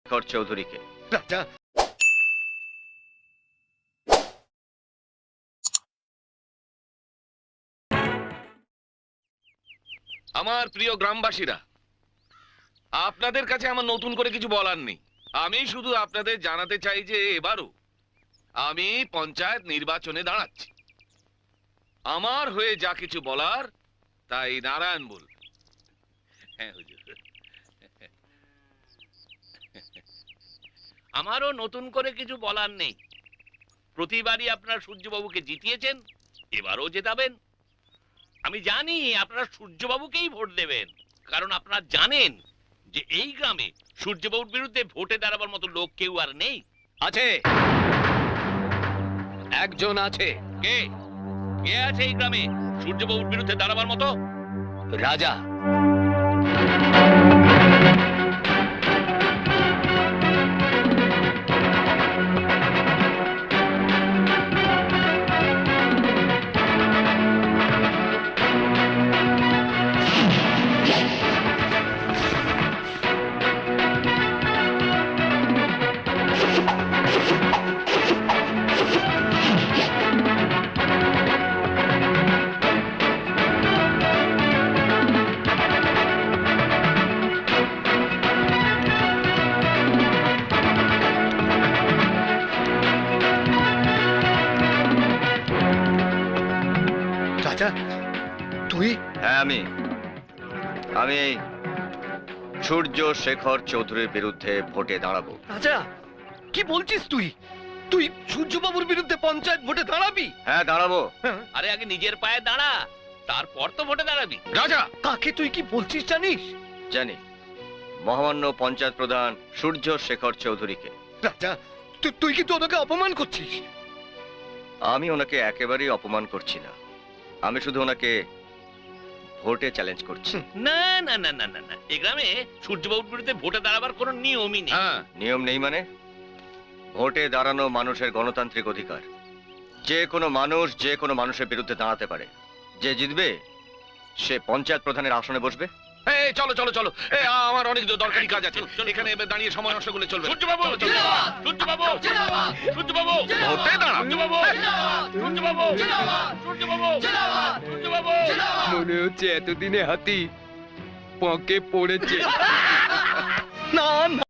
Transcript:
শেখর চৌধুরীকে। রাজা, আমার প্রিয় গ্রামবাসীরা, আপনাদের কাছে আমার নতুন করে কিছু বলার নেই। আমি শুধু আপনাদের জানাতে চাই যে এবারও আমি পঞ্চায়েত নির্বাচনে দাঁড়াচ্ছি। আমার হয়ে যা কিছু বলার তাই নারায়ণ বল। হ্যাঁ হুজুর। আমারও নতুন করে কিছু বলার নেই। প্রতিবারই আপনারা সূর্যবাবুকে জিতিয়েছেন, এবারও জেতাবেন। আমি জানি আপনারা সূর্যবাবুকেই ভোট দেবেন, কারণ আপনারা জানেন যে এই গ্রামে সূর্যবাবুর বিরুদ্ধে ভোটে দাঁড়াবার মতো লোক কেউ আর নেই। আছে, একজন আছে। কে কে আছে এই গ্রামে সূর্যবাবুর বিরুদ্ধে দাঁড়াবার মতো? রাজা। রাজা, তুই? হ্যাঁ, আমি এই সূর্য শেখর চৌধুরীর বিরুদ্ধে ভোটে দাঁড়াবো। রাজা, কি বলছিস তুই? তুই সূর্যবাবুর বিরুদ্ধে পঞ্চায়েত ভোটে দাঁড়াবি? হ্যাঁ, দাঁড়াবো। আরে আগে নিজের পায়ে দাঁড়া, তারপর তো ভোটে দাঁড়াবি। রাজা, কাকে তুই কি বলছিস জানিস? জানি, মহামান্য পঞ্চায়েত প্রধান সূর্য শেখর চৌধুরীকে। রাজা, তুই কিন্তু ওনাকে অপমান করছিস। আমি ওনাকে একেবারেই অপমান করছি না, আমি শুধু ওনাকে ভোটে চ্যালেঞ্জ করছি। না না না না না না, এই গ্রামে সূর্যবাবুর বিরুদ্ধে ভোটে দাঁড়াবার কোনো নিয়মই নেই। হ্যাঁ, নিয়ম নেই মানে? ভোটে দাঁড়ানো মানুষের গণতান্ত্রিক অধিকার। যে কোনো মানুষ যে কোনো মানুষের বিরুদ্ধে দাঁড়াতে পারে। যে জিতবে সে পঞ্চায়েত প্রধানের আসনে বসবে। এই চলো চলো চলো, আমার অনেক দরকারি কাজ আছে, এখানে দাঁড়িয়ে সময় নষ্ট করলে চলবে না। সূর্যবাবু, চলো, চলো। সূর্যবাবু, সূর্যবাবু, ভোটে দাঁড়াও। সূর্যবাবু, সূর্যবাবু, সূর্যবাবু, সূর্যবাবু। মনে হচ্ছে এতদিনে হাতি পকে পড়েছে। না না,